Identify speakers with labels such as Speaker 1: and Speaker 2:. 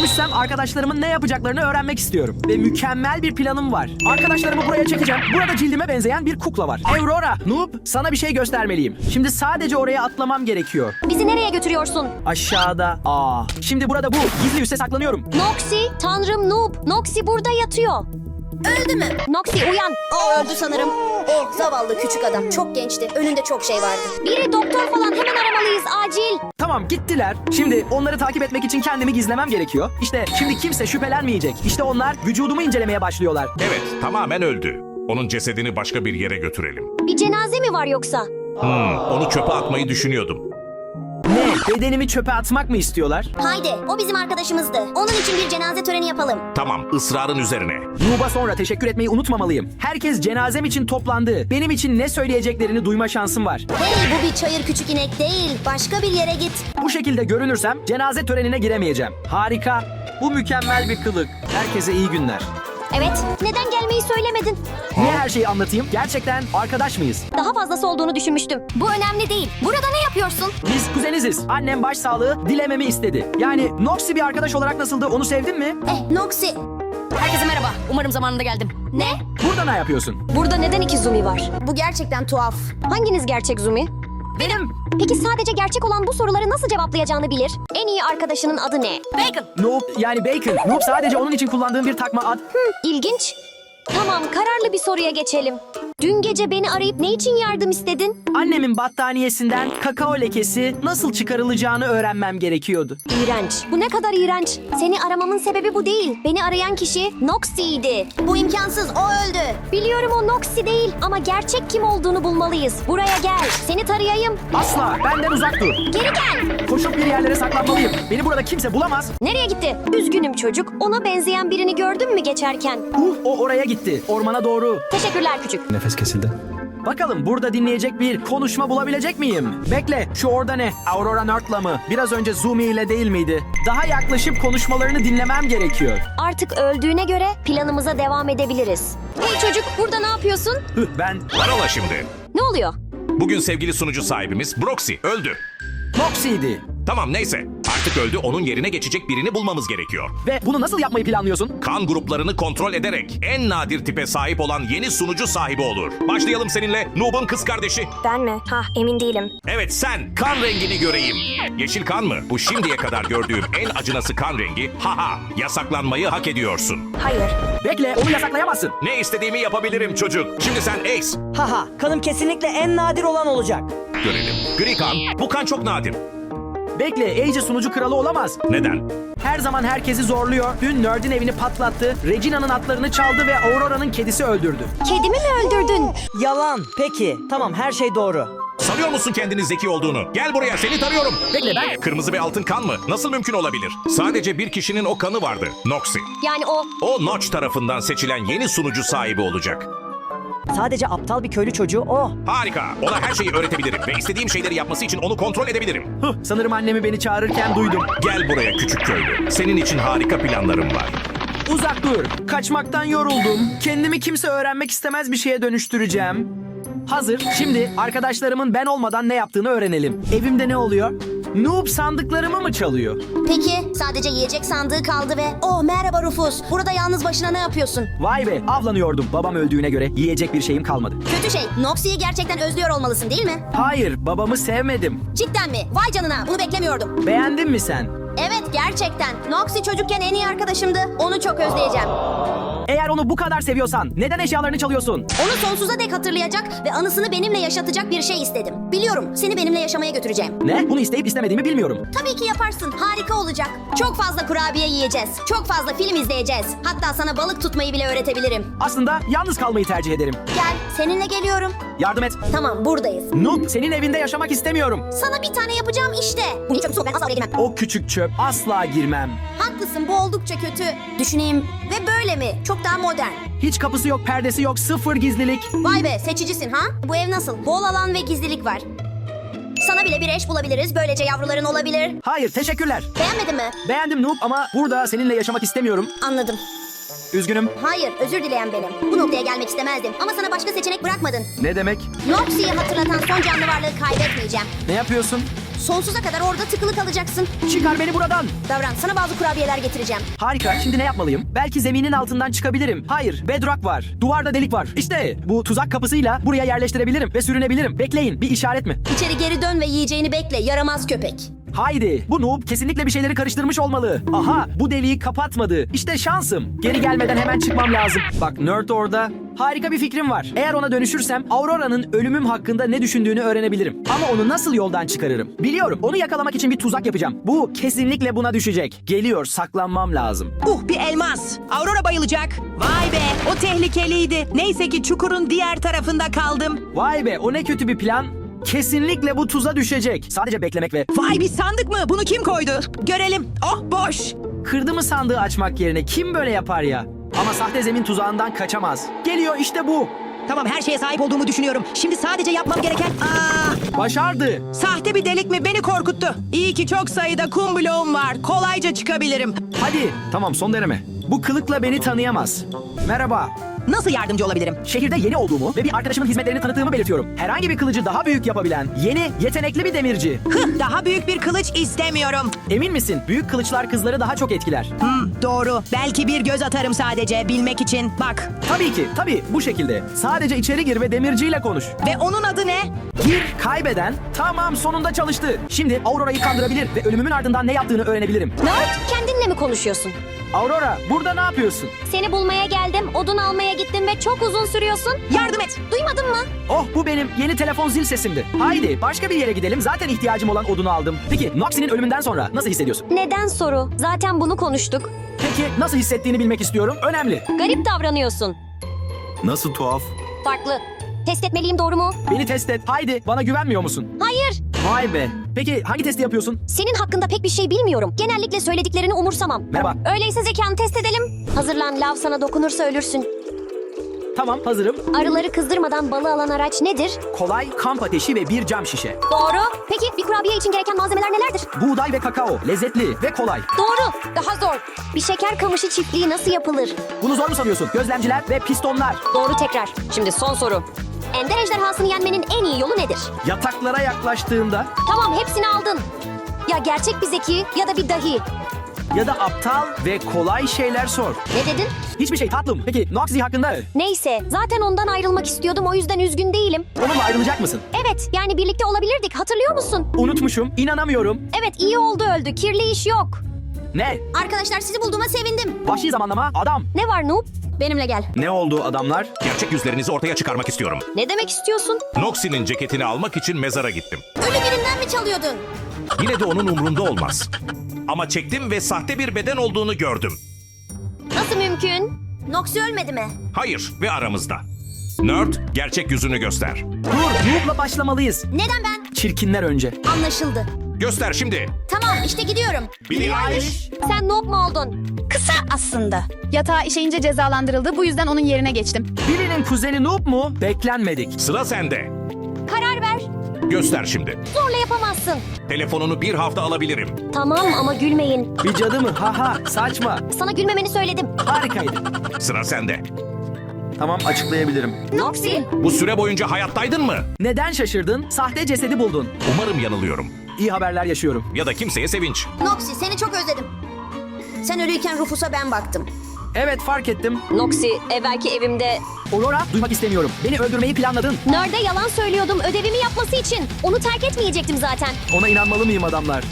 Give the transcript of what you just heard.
Speaker 1: Ölmüşsem arkadaşlarımın ne yapacaklarını öğrenmek istiyorum. Ve mükemmel bir planım var. Arkadaşlarımı buraya çekeceğim. Burada cildime benzeyen bir kukla var. Aurora, Noob, sana bir şey göstermeliyim. Şimdi sadece oraya atlamam gerekiyor.
Speaker 2: Bizi nereye götürüyorsun?
Speaker 1: Aşağıda. Şimdi burada bu. Gizli üsse saklanıyorum.
Speaker 2: Noxy, tanrım Noob. Noxy burada yatıyor.
Speaker 3: Öldü mü?
Speaker 2: Noxy uyan.
Speaker 3: O öldü sanırım. Oh zavallı küçük adam. Çok gençti. Önünde çok şey vardı.
Speaker 2: Biri doktor falan, hemen aramalıyız acil.
Speaker 1: Tamam, gittiler. Şimdi onları takip etmek için kendimi gizlemem gerekiyor. İşte şimdi kimse şüphelenmeyecek. İşte onlar vücudumu incelemeye başlıyorlar.
Speaker 4: Evet, tamamen öldü. Onun cesedini başka bir yere götürelim.
Speaker 2: Bir cenaze mi var yoksa?
Speaker 4: Onu çöpe atmayı düşünüyordum.
Speaker 1: Ne? Bedenimi çöpe atmak mı istiyorlar?
Speaker 3: Haydi o bizim arkadaşımızdı. Onun için bir cenaze töreni yapalım.
Speaker 4: Tamam, ısrarın üzerine.
Speaker 1: Noob'a sonra teşekkür etmeyi unutmamalıyım. Herkes cenazem için toplandı. Benim için ne söyleyeceklerini duyma şansım var.
Speaker 3: Hey bu bir çayır küçük inek değil. Başka bir yere git.
Speaker 1: Bu şekilde görünürsem cenaze törenine giremeyeceğim. Harika. Bu mükemmel bir kılık. Herkese iyi günler.
Speaker 2: Evet. Neden gelmeyi söylemedin?
Speaker 1: Niye her şeyi anlatayım? Gerçekten arkadaş mıyız?
Speaker 2: Daha fazlası olduğunu düşünmüştüm.
Speaker 3: Bu önemli değil. Burada ne yapıyorsun?
Speaker 1: Biz kuzeniziz. Annem başsağlığı dilememi istedi. Yani Noxy bir arkadaş olarak nasıldı? Onu sevdin mi?
Speaker 3: Noxy.
Speaker 2: Herkese merhaba. Umarım zamanında geldim.
Speaker 3: Ne?
Speaker 1: Burada ne yapıyorsun?
Speaker 2: Burada neden iki Zumi var?
Speaker 3: Bu gerçekten tuhaf.
Speaker 2: Hanginiz gerçek Zumi?
Speaker 1: Benim.
Speaker 2: Peki sadece gerçek olan bu soruları nasıl cevaplayacağını bilir? En iyi arkadaşının adı ne? Bacon.
Speaker 1: Noob yani Bacon. Noob sadece onun için kullandığım bir takma ad.
Speaker 2: İlginç. Tamam, kararlı bir soruya geçelim. Dün gece beni arayıp ne için yardım istedin?
Speaker 1: Annemin battaniyesinden kakao lekesi nasıl çıkarılacağını öğrenmem gerekiyordu.
Speaker 2: İğrenç. Bu ne kadar iğrenç. Seni aramamın sebebi bu değil. Beni arayan kişi Noxy'ydi.
Speaker 3: Bu imkansız. O öldü.
Speaker 2: Biliyorum o Noxy değil ama gerçek kim olduğunu bulmalıyız. Buraya gel. Seni tarayayım.
Speaker 1: Asla benden uzak dur.
Speaker 2: Geri gel.
Speaker 1: Koşup bir yerlere saklanmalıyım. Beni burada kimse bulamaz.
Speaker 2: Nereye gitti? Üzgünüm çocuk. Ona benzeyen birini gördün mü geçerken?
Speaker 1: O oraya gitti. Ormana doğru.
Speaker 2: Teşekkürler küçük.
Speaker 1: Nefes kesildi. Bakalım burada dinleyecek bir konuşma bulabilecek miyim? Bekle, şu orada ne? Aurora Nerd'la mı? Biraz önce Zumi ile değil miydi? Daha yaklaşıp konuşmalarını dinlemem gerekiyor.
Speaker 2: Artık öldüğüne göre planımıza devam edebiliriz. Hey çocuk, burada ne yapıyorsun?
Speaker 1: Ben
Speaker 4: Parola şimdi.
Speaker 2: Ne oluyor?
Speaker 4: Bugün sevgili sunucu sahibimiz Broxy öldü.
Speaker 1: Noxy'ydi.
Speaker 4: Tamam neyse. Artık öldü, onun yerine geçecek birini bulmamız gerekiyor.
Speaker 1: Ve bunu nasıl yapmayı planlıyorsun?
Speaker 4: Kan gruplarını kontrol ederek en nadir tipe sahip olan yeni sunucu sahibi olur. Başlayalım seninle, Noob'un kız kardeşi.
Speaker 2: Ben mi? Emin değilim.
Speaker 4: Evet sen, kan rengini göreyim. Yeşil kan mı? Bu şimdiye kadar gördüğüm en acınası kan rengi. Yasaklanmayı hak ediyorsun.
Speaker 2: Hayır.
Speaker 1: Bekle, onu yasaklayamazsın.
Speaker 4: Ne istediğimi yapabilirim çocuk. Şimdi sen Ace.
Speaker 5: Kanım kesinlikle en nadir olan olacak.
Speaker 4: Görelim. Gri kan. Bu kan çok nadir.
Speaker 1: Bekle, Age sunucu kralı olamaz.
Speaker 4: Neden?
Speaker 1: Her zaman herkesi zorluyor. Dün Nerd'in evini patlattı. Regina'nın atlarını çaldı ve Aurora'nın kedisi öldürdü.
Speaker 2: Kedimi mi öldürdün?
Speaker 5: Yalan. Peki. Tamam, her şey doğru.
Speaker 4: Sanıyor musun kendini zeki olduğunu? Gel buraya, seni tarıyorum.
Speaker 1: Bekle, ben...
Speaker 4: Kırmızı ve altın kan mı? Nasıl mümkün olabilir? Sadece bir kişinin o kanı vardı. Noxy.
Speaker 2: Yani o...
Speaker 4: O Notch tarafından seçilen yeni sunucu sahibi olacak.
Speaker 5: Sadece aptal bir köylü çocuğu o.
Speaker 4: Harika. Ona her şeyi öğretebilirim ve istediğim şeyleri yapması için onu kontrol edebilirim.
Speaker 1: Sanırım annemi beni çağırırken duydum.
Speaker 4: Gel buraya küçük köylü. Senin için harika planlarım var.
Speaker 1: Uzak dur. Kaçmaktan yoruldum. Kendimi kimse öğrenmek istemez bir şeye dönüştüreceğim. Hazır. Şimdi arkadaşlarımın ben olmadan ne yaptığını öğrenelim. Evimde ne oluyor? Noob sandıklarımı mı çalıyor?
Speaker 3: Peki sadece yiyecek sandığı kaldı ve... merhaba Rufus. Burada yalnız başına ne yapıyorsun?
Speaker 1: Vay be, avlanıyordum. Babam öldüğüne göre yiyecek bir şeyim kalmadı.
Speaker 3: Kötü şey. Noxy'yi gerçekten özlüyor olmalısın değil mi?
Speaker 1: Hayır, babamı sevmedim.
Speaker 3: Cidden mi? Vay canına. Bunu beklemiyordum.
Speaker 1: Beğendin mi sen?
Speaker 3: Evet gerçekten. Noxy çocukken en iyi arkadaşımdı. Onu çok özleyeceğim.
Speaker 1: Eğer onu bu kadar seviyorsan neden eşyalarını çalıyorsun?
Speaker 3: Onu sonsuza dek hatırlayacak ve anısını benimle yaşatacak bir şey istedim. Biliyorum, seni benimle yaşamaya götüreceğim.
Speaker 1: Ne? Bunu isteyip istemediğimi bilmiyorum.
Speaker 3: Tabii ki yaparsın, harika olacak. Çok fazla kurabiye yiyeceğiz. Çok fazla film izleyeceğiz. Hatta sana balık tutmayı bile öğretebilirim.
Speaker 1: Aslında yalnız kalmayı tercih ederim.
Speaker 3: Gel, seninle geliyorum.
Speaker 1: Yardım et.
Speaker 3: Tamam, buradayız.
Speaker 1: Noob, senin evinde yaşamak istemiyorum.
Speaker 3: Sana bir tane yapacağım işte. Bu çok soğuk, ben asla oraya girmem.
Speaker 1: O küçük çöp, asla girmem.
Speaker 3: Haklısın, bu oldukça kötü. Düşüneyim. Ve böyle mi? Çok daha modern.
Speaker 1: Hiç kapısı yok, perdesi yok, sıfır gizlilik.
Speaker 3: Vay be, seçicisin ha? Bu ev nasıl? Bol alan ve gizlilik var. Sana bile bir eş bulabiliriz. Böylece yavruların olabilir.
Speaker 1: Hayır, teşekkürler.
Speaker 3: Beğenmedin mi?
Speaker 1: Beğendim Noob ama burada seninle yaşamak istemiyorum.
Speaker 3: Anladım.
Speaker 1: Üzgünüm.
Speaker 3: Hayır, özür dileyen benim. Bu noktaya gelmek istemezdim. Ama sana başka seçenek bırakmadın.
Speaker 1: Ne demek?
Speaker 3: Noxy'yi hatırlatan son canlı varlığı kaybetmeyeceğim.
Speaker 1: Ne yapıyorsun?
Speaker 3: Sonsuza kadar orada tıkılı kalacaksın.
Speaker 1: Çıkar beni buradan.
Speaker 3: Davran, sana bazı kurabiyeler getireceğim.
Speaker 1: Harika. Şimdi ne yapmalıyım? Belki zeminin altından çıkabilirim. Hayır. Bedrock var. Duvarda delik var. İşte bu tuzak kapısıyla buraya yerleştirebilirim ve sürünebilirim. Bekleyin. Bir işaret mi?
Speaker 3: İçeri geri dön ve yiyeceğini bekle, yaramaz köpek.
Speaker 1: Haydi. Bu noob kesinlikle bir şeyleri karıştırmış olmalı. Aha, bu deliği kapatmadı. İşte şansım. Geri gelmeden hemen çıkmam lazım. Bak, Nerd orada. Harika bir fikrim var. Eğer ona dönüşürsem Aurora'nın ölümüm hakkında ne düşündüğünü öğrenebilirim. Ama onu nasıl yoldan çıkarırım? Biliyorum. Onu yakalamak için bir tuzak yapacağım. Bu kesinlikle buna düşecek. Geliyor. Saklanmam lazım.
Speaker 6: Bir elmas. Aurora bayılacak. Vay be, o tehlikeliydi. Neyse ki çukurun diğer tarafında kaldım.
Speaker 1: Vay be, o ne kötü bir plan. Kesinlikle bu tuza düşecek. Sadece beklemek ve
Speaker 6: Vay, bir sandık mı? Bunu kim koydu? Görelim. Oh, boş.
Speaker 1: kırdı mı sandığı açmak yerine kim böyle yapar ya? Ama sahte zemin tuzağından kaçamaz. Geliyor işte bu.
Speaker 6: Tamam, her şeye sahip olduğumu düşünüyorum. Şimdi sadece yapmam gereken...
Speaker 1: Başardı.
Speaker 6: Sahte bir delik mi? Beni korkuttu. İyi ki çok sayıda kum bloğum var. Kolayca çıkabilirim.
Speaker 1: Hadi. Tamam, son deneme. Bu kılıkla beni tanıyamaz. Merhaba.
Speaker 6: Nasıl yardımcı olabilirim?
Speaker 1: Şehirde yeni olduğumu ve bir arkadaşımın hizmetlerini tanıttığımı belirtiyorum. Herhangi bir kılıcı daha büyük yapabilen, yeni, yetenekli bir demirci.
Speaker 6: Daha büyük bir kılıç istemiyorum.
Speaker 1: Emin misin? Büyük kılıçlar kızları daha çok etkiler.
Speaker 6: Doğru. Belki bir göz atarım sadece bilmek için. Bak.
Speaker 1: Tabii ki, tabii bu şekilde. Sadece içeri gir ve demirciyle konuş.
Speaker 6: Ve onun adı ne?
Speaker 1: Gir, kaybeden. Tamam, sonunda çalıştı. Şimdi Aurora'yı kandırabilir ve ölümümün ardından ne yaptığını öğrenebilirim.
Speaker 2: Nerd, kendinle mi konuşuyorsun?
Speaker 1: Aurora, burada ne yapıyorsun?
Speaker 2: Seni bulmaya geldim, odun almaya gittim ve çok uzun sürüyorsun.
Speaker 6: Yardım et.
Speaker 2: Duymadın mı?
Speaker 1: Oh, bu benim yeni telefon zil sesimdi. Haydi başka bir yere gidelim. Zaten ihtiyacım olan odunu aldım. Peki Noxie'nin ölümünden sonra nasıl hissediyorsun?
Speaker 2: Neden soru? Zaten bunu konuştuk.
Speaker 1: Peki nasıl hissettiğini bilmek istiyorum. Önemli.
Speaker 2: Garip davranıyorsun.
Speaker 1: Nasıl tuhaf?
Speaker 2: Farklı. Test etmeliyim, doğru mu?
Speaker 1: Beni test et. Haydi, bana güvenmiyor musun?
Speaker 2: Hayır.
Speaker 1: Vay be. Peki hangi testi yapıyorsun?
Speaker 2: Senin hakkında pek bir şey bilmiyorum. Genellikle söylediklerini umursamam.
Speaker 1: Merhaba.
Speaker 2: Öyleyse zekanı test edelim. Hazırlan, lav sana dokunursa ölürsün.
Speaker 1: Tamam, hazırım.
Speaker 2: Arıları kızdırmadan balı alan araç nedir?
Speaker 1: Kolay, kamp ateşi ve bir cam şişe.
Speaker 2: Doğru. Peki bir kurabiye için gereken malzemeler nelerdir?
Speaker 1: Buğday ve kakao. Lezzetli ve kolay.
Speaker 2: Doğru. Daha zor. Bir şeker kamışı çiftliği nasıl yapılır?
Speaker 1: Bunu zor mu sanıyorsun? Gözlemciler ve pistonlar.
Speaker 2: Doğru tekrar. Şimdi son soru. Ender ejderhasını yenmenin en iyi yolu nedir?
Speaker 1: Yataklara yaklaştığında
Speaker 2: Tamam, hepsini aldın. Ya gerçek bir zeki ya da bir dahi.
Speaker 1: ya da aptal ve kolay şeyler sor.
Speaker 2: Ne dedin?
Speaker 1: Hiçbir şey tatlım. Peki Noxie hakkında?
Speaker 2: Neyse, zaten ondan ayrılmak istiyordum, o yüzden üzgün değilim.
Speaker 1: Onunla ayrılacak mısın?
Speaker 2: Evet, yani birlikte olabilirdik, hatırlıyor musun?
Speaker 1: Unutmuşum. İnanamıyorum.
Speaker 2: Evet, iyi oldu öldü, kirli iş yok.
Speaker 1: Ne?
Speaker 3: Arkadaşlar, sizi bulduğuma sevindim.
Speaker 1: Vahşi zamanlama adam.
Speaker 2: Ne var Noob?
Speaker 3: Benimle gel.
Speaker 1: Ne oldu adamlar?
Speaker 4: Gerçek yüzlerinizi ortaya çıkarmak istiyorum.
Speaker 2: Ne demek istiyorsun?
Speaker 4: Noxie'nin ceketini almak için mezara gittim.
Speaker 3: Ölü birinden mi çalıyordun?
Speaker 4: Yine de onun umrunda olmaz. Ama çektim ve sahte bir beden olduğunu gördüm.
Speaker 2: Nasıl mümkün?
Speaker 3: Noxie ölmedi mi?
Speaker 4: Hayır ve aramızda. Nerd, gerçek yüzünü göster.
Speaker 1: Dur, Noob'la başlamalıyız.
Speaker 3: Neden ben?
Speaker 1: Çirkinler önce.
Speaker 3: Anlaşıldı.
Speaker 4: Göster şimdi.
Speaker 3: Tamam, işte gidiyorum.
Speaker 4: Billie Eilish.
Speaker 2: Sen Noob mu oldun?
Speaker 7: Kısa aslında. Yatağa işeyince cezalandırıldı. Bu yüzden onun yerine geçtim.
Speaker 1: Birinin kuzeni Noob mu? Beklenmedik.
Speaker 4: Sıra sende.
Speaker 2: Karar ver.
Speaker 4: Göster şimdi.
Speaker 2: Zorla yapamazsın.
Speaker 4: Telefonunu bir hafta alabilirim.
Speaker 2: Tamam ama gülmeyin.
Speaker 1: Bir cadı mı? Haha, saçma.
Speaker 2: Sana gülmemeni söyledim.
Speaker 1: Harikaydı.
Speaker 4: Sıra sende.
Speaker 1: Tamam, açıklayabilirim.
Speaker 2: Noxie.
Speaker 4: Bu süre boyunca hayattaydın mı?
Speaker 1: Neden şaşırdın? Sahte cesedi buldun.
Speaker 4: Umarım yanılıyorum.
Speaker 1: İyi haberler yaşıyorum.
Speaker 4: Ya da kimseye sevinç.
Speaker 3: Noxie, seni çok özledim. Sen ölüyken Rufus'a ben baktım.
Speaker 1: Evet, fark ettim.
Speaker 2: Noxie, evvelki evimde
Speaker 1: Aurora, duymak istemiyorum. Beni öldürmeyi planladın.
Speaker 2: Nerd'e yalan söylüyordum ödevimi yapması için. Onu terk etmeyecektim zaten.
Speaker 1: Ona inanmalı mıyım adamlar?